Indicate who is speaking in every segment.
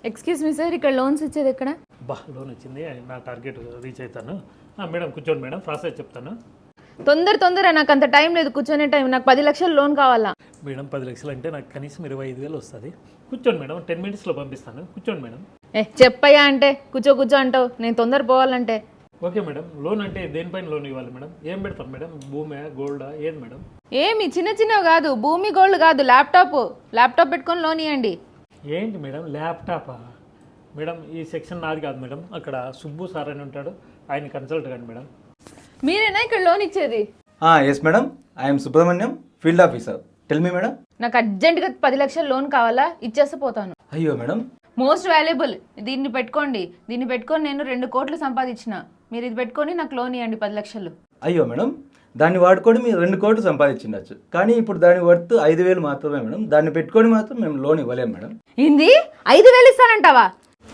Speaker 1: Excuse me sir, ఇక్కడ loans ఇచ్చేది ఎక్కడ?
Speaker 2: లోన్ వచ్చింది, నా టార్గెట్ రీచ్ అవుతాను. మేడం కూర్చోండి మేడం, ప్రాసెస్ చెప్తాను.
Speaker 1: తొందర నాకు అంత టైం లేదు, కూర్చొనే టైం. నాకు 10 లక్షలు లోన్ కావాలా.
Speaker 2: మేడం 10 లక్షలు అంటే నాకు కనీసం 25,000 వస్తుంది. కూర్చోండి మేడం, 10 మినిట్స్లో పంపిస్తాను. కూర్చోండి మేడం.
Speaker 1: చెప్పయ్యా అంటే కూర్చో అంటావు, నేను తొందర పోవాలంటే.
Speaker 2: Okay madam. లోన్ అంటే దేనిపైన లోన్ ఇవ్వాలి మేడం? ఏం పెడతాం మేడం? భూమి, గోల్డా, ఏది మేడం?
Speaker 1: ఏమి చిన్నవి కాదు, భూమి గోల్డ్ కాదు, ల్యాప్టాప్ పెట్టుకొని లోన్ ఇవ్వండి.
Speaker 2: ఏంటి మేడం ల్యాప్టాపా? మేడం ఈ సెక్షన్ నాది కాదు మేడం, అక్కడ సుబ్బు సార్ అని ఉంటాడు, ఆయన కన్సల్ట్ కండి మేడం.
Speaker 1: మీరేనా ఇక్కడ లోన్ ఇచ్చేది?
Speaker 3: Yes madam, I'm Subrahmanyam, field officer. Tell me madam.
Speaker 1: నాకు అర్జెంటుగా 10 లక్షలు లోన్ కావాలా, ఇచ్చేస్తే పోతాను.
Speaker 3: అయ్యో మేడం.
Speaker 1: మోస్ట్ వాల్యుబుల్, దీన్ని పెట్టుకోండి నేను 2 కోట్లు సంపాదించిన. మీరు ఇది పెట్టుకొని నాకు లోన్ ఇవ్వండి 10 లక్షలు.
Speaker 3: అయ్యో మేడం, దాన్ని వాడుకొని మీరు 2 కోట్లు సంపాదించిండొచ్చు, కానీ ఇప్పుడు దాని వర్త్ 5,000 మాత్రమే మేడం. దాన్ని పెట్టుకొని మాత్రం మేము లోన్ ఇవ్వలేము మేడం.
Speaker 1: ఏంది 5,000 ఇస్తానంటావా?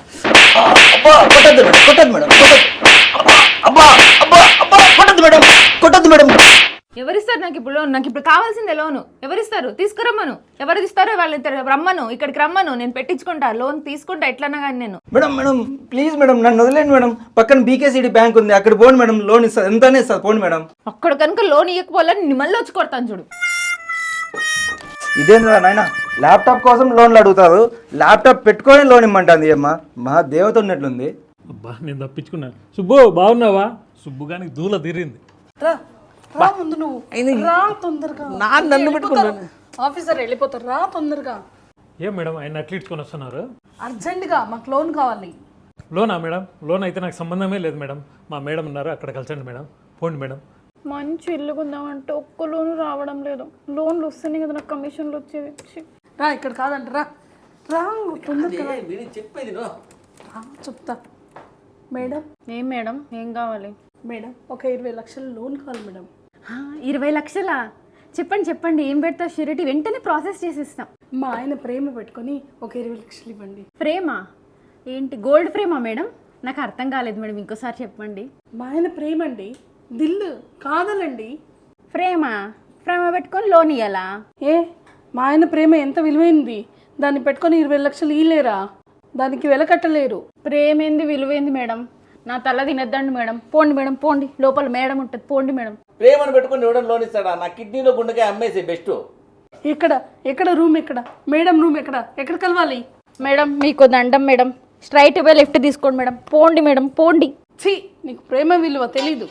Speaker 1: ఎవరిస్తారు నాకు ఇప్పుడు లోన్? నాకు ఇప్పుడు కావాల్సిందే లోను. ఎవరిస్తారు? తీసుకురమ్మను. ఎవరు ఇస్తారో వాళ్ళు రమ్మను, ఇక్కడికి రమ్మను, నేను పెట్టించుకుంటా, లోన్ తీసుకుంటా ఎట్లన్నా కానీ నేను.
Speaker 3: మేడం ప్లీజ్ మేడం, నన్ను వదిలేండి మేడం. పక్కన బీకేసీడీ బ్యాంక్ ఉంది, అక్కడ పోండి మేడం, లోన్ ఇస్తారు, ఎంతనే ఇస్తారు, పోండి మేడం.
Speaker 1: అక్కడ కనుక లోన్ ఇవ్వకపోవాలని మళ్ళీ వచ్చి కొడతాను చూడు.
Speaker 3: ఇదేంద్రా నాయన, ల్యాప్టాప్ కోసం లోన్లు అడుగుతారు, ల్యాప్టాప్ పెట్టుకొని లోన్ ఇమ్మంటుంది అమ్మా. మా దేవత ఉన్నట్లుంది.
Speaker 2: నేను తప్పించుకున్నాను. సుబ్బు బాగున్నావా? సుబ్బు గాని దూల తీరింది.
Speaker 4: రా ముందు నువ్వు రా తొందరగా.
Speaker 5: నన్ను పెట్టుకున్నాను.
Speaker 4: ఆఫీసర్ వెళ్ళిపోతారు, రా తొందరగా.
Speaker 2: ఏం మేడం ఆయన అట్లా ఇచ్చుకొని వస్తున్నారు?
Speaker 4: అర్జెంటుగా మాకు లోన్ కావాలి.
Speaker 2: లోనా మేడం? లోన్ అయితే నాకు సంబంధమే లేదు మేడం. మా మేడం ఉన్నారు, అక్కడ కలిసండి మేడం. పోండి మేడం.
Speaker 1: మంచి ఇల్లు కొందామంటే ఒక్క లోను రావడం లేదు. లోన్లు వస్తేనే కదా నాకు కమిషన్లు వచ్చేది.
Speaker 4: రా ఇక్కడ కాదంట, రా రా తొందరగా
Speaker 5: చెప్పేది
Speaker 4: రా, చెప్తా. మేడం.
Speaker 1: ఏం మేడం, ఏం కావాలి?
Speaker 4: మేడం ఒక 20 లక్షలు లోన్ కావాలి మేడం.
Speaker 1: 20 లక్షలా? చెప్పండి, ఏం పెడతా షూరిటీ? వెంటనే ప్రాసెస్ చేసిస్తాం.
Speaker 4: మా ఆయన ప్రేమ పెట్టుకొని ఒక 20 లక్షలు ఇవ్వండి.
Speaker 1: ప్రేమ ఏంటి? గోల్డ్ ఫ్రేమా మేడం? నాకు అర్థం కాలేదు మేడం, ఇంకోసారి చెప్పండి.
Speaker 4: మా ఆయన ప్రేమ అండి, దిల్లు కాదలండి.
Speaker 1: ప్రేమ పెట్టుకొని లోన్ ఇవ్వాలా?
Speaker 4: మా ఆయన ప్రేమ ఎంత విలువైంది, దాన్ని పెట్టుకొని 20 లక్షలు ఇయ్యలేరా? దానికి వెల కట్టలేరు.
Speaker 1: ప్రేమేంది విలువైంది మేడం? నా తల తినద్దండి మేడం. పోండి మేడం, పోండి, లోపల మేడం ఉంటుంది, పోండి మేడం.
Speaker 5: ప్రేమను పెట్టుకుని ఎవడం లోన్ ఇస్తాడా? నా కిడ్నీలో గుండెకాయ అమ్మేసి బెస్ట్.
Speaker 4: ఎక్కడ రూమ్ ఎక్కడ? మేడం రూమ్ ఎక్కడ కలవాలి?
Speaker 1: మేడం మీకు దండం మేడం, స్ట్రైట్ వే లెఫ్ట్ తీసుకోండి మేడం. పోండి మేడం, పోండి.
Speaker 4: ఛీ, నీకు ప్రేమ విలువ తెలీదు.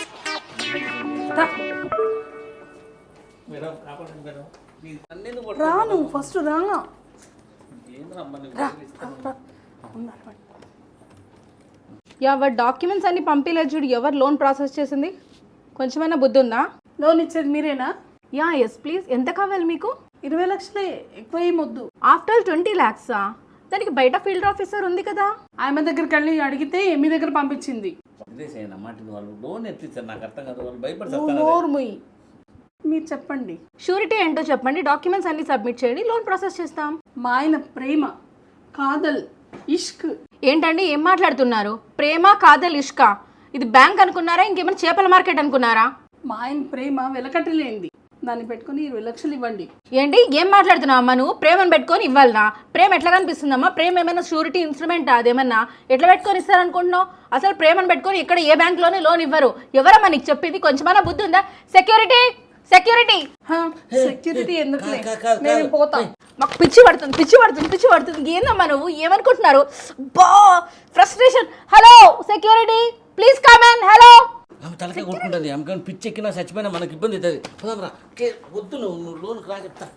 Speaker 4: రా నువ్వు ఫస్ట్ రా.
Speaker 6: ఎవరు డాక్యుమెంట్స్ అన్ని పంపించలేదు చూడు, ఎవరు లోన్ ప్రాసెస్ చేసింది? కొంచెమైనా బుద్ధి ఉందా?
Speaker 4: లోన్ ఇచ్చేది మీరేనా?
Speaker 6: Yes please. ఎంత కావాలి మీకు?
Speaker 4: 20 లక్షలే, ఎక్కువ ఏమొద్దు.
Speaker 6: ఆఫ్టర్ 20 lakhsా? దానికి బయట ఫీల్డ్ ఆఫీసర్ ఉంది కదా.
Speaker 4: ఆమె దగ్గరికి వెళ్ళి అడిగితే మీ దగ్గర పంపించింది. మీరు చెప్పండి.
Speaker 6: షూరిటీ ఏంటో చెప్పండి, డాక్యుమెంట్స్ అన్ని సబ్మిట్ చేయండి, లోన్ ప్రాసెస్ చేస్తాం.
Speaker 4: మా ఆయన ప్రేమ, కాదల్, ఇష్క్.
Speaker 6: ఏంటండి ఏం మాట్లాడుతున్నారు? ప్రేమ, కాదల్, ఇష్కా? ఇది బ్యాంక్ అనుకున్నారా, ఇంకేమైనా చేపల మార్కెట్ అనుకున్నారా?
Speaker 4: మా ఆయన ప్రేమ వెలకట్టలేంది, దాన్ని పెట్టుకుని 20 లక్షలు ఇవ్వండి.
Speaker 6: ఏంటి ఏం మాట్లాడుతున్నావు అమ్మా? నువ్వు ప్రేమను పెట్టుకొని ఇవ్వాలనా? ప్రేమ ఎట్లా కనిపిస్తుందమ్మా? ప్రేమ ఏమైనా షూరిటీ ఇన్స్ట్రుమెంట్? అదేమన్నా ఎట్లా పెట్టుకొని ఇస్తారనుకుంటున్నావు? అసలు ప్రేమను పెట్టుకొని ఇక్కడ ఏ బ్యాంక్లోనే లోన్ ఇవ్వరు. ఎవరమ్మా నీకు చెప్పింది? కొంచెమైనా బుద్ధి ఉందా? సెక్యూరిటీ
Speaker 4: సెక్యూరిటీ ఎందుకులే, నేను పోతా.
Speaker 6: మాకు పిచ్చి పడుతుంది. ఏందమ్మా నువ్వు? ఏమనుకుంటున్నారు? బా frustration. Hello security, please come in. Hello.
Speaker 5: ఆమె తలకే కొట్టుకుంటుంది, ఆమె కానీ పిచ్చి ఎక్కినా చచ్చిపోయినా మనకి ఇబ్బంది అవుతుంది. పోదాంరా. వద్దు, నువ్వు లోన్కి రా చెప్తా.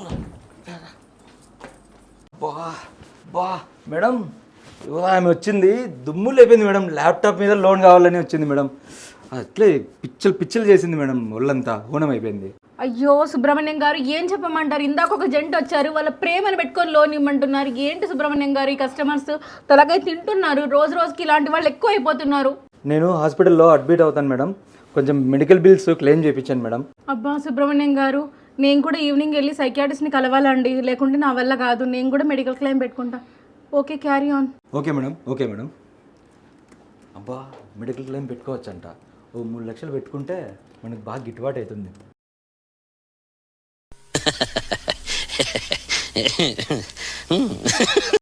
Speaker 3: మేడం ఆమె వచ్చింది, దుమ్ము లేపింది మేడం. ల్యాప్టాప్ మీద లోన్ కావాలని వచ్చింది మేడం. అట్లే పిచ్చలు చేసింది మేడం, ఒళ్ళంతా హోనం అయిపోయింది.
Speaker 6: అయ్యో సుబ్రహ్మణ్యం గారు, ఏం చెప్పమంటారు? ఇందాక ఒక జంట వచ్చారు, వాళ్ళ ప్రేమను పెట్టుకొని లోన్ ఇమ్మంటున్నారు. ఏంటి సుబ్రహ్మణ్యం గారు, ఈ కస్టమర్స్ తలకై తింటున్నారు. రోజుకి ఇలాంటి వాళ్ళు ఎక్కువ అయిపోతున్నారు.
Speaker 3: నేను హాస్పిటల్లో అడ్మిట్ అవుతాను మేడం, కొంచెం మెడికల్ బిల్స్ క్లెయిమ్ చేయించాను మేడం.
Speaker 6: అబ్బా సుబ్రహ్మణ్యం గారు, నేను కూడా ఈవినింగ్ వెళ్ళి సైకియాట్రిస్ట్ని కలవాలండి, లేకుంటే నా వల్ల కాదు. నేను కూడా మెడికల్ క్లెయిమ్ పెట్టుకుంటా. Okay, carry on.
Speaker 3: Okay madam. అబ్బా మెడికల్ క్లెయిమ్ పెట్టుకోవచ్చంట. ఓ 3 లక్షలు పెట్టుకుంటే మనకు బాగా గిట్టుబాటు అవుతుంది.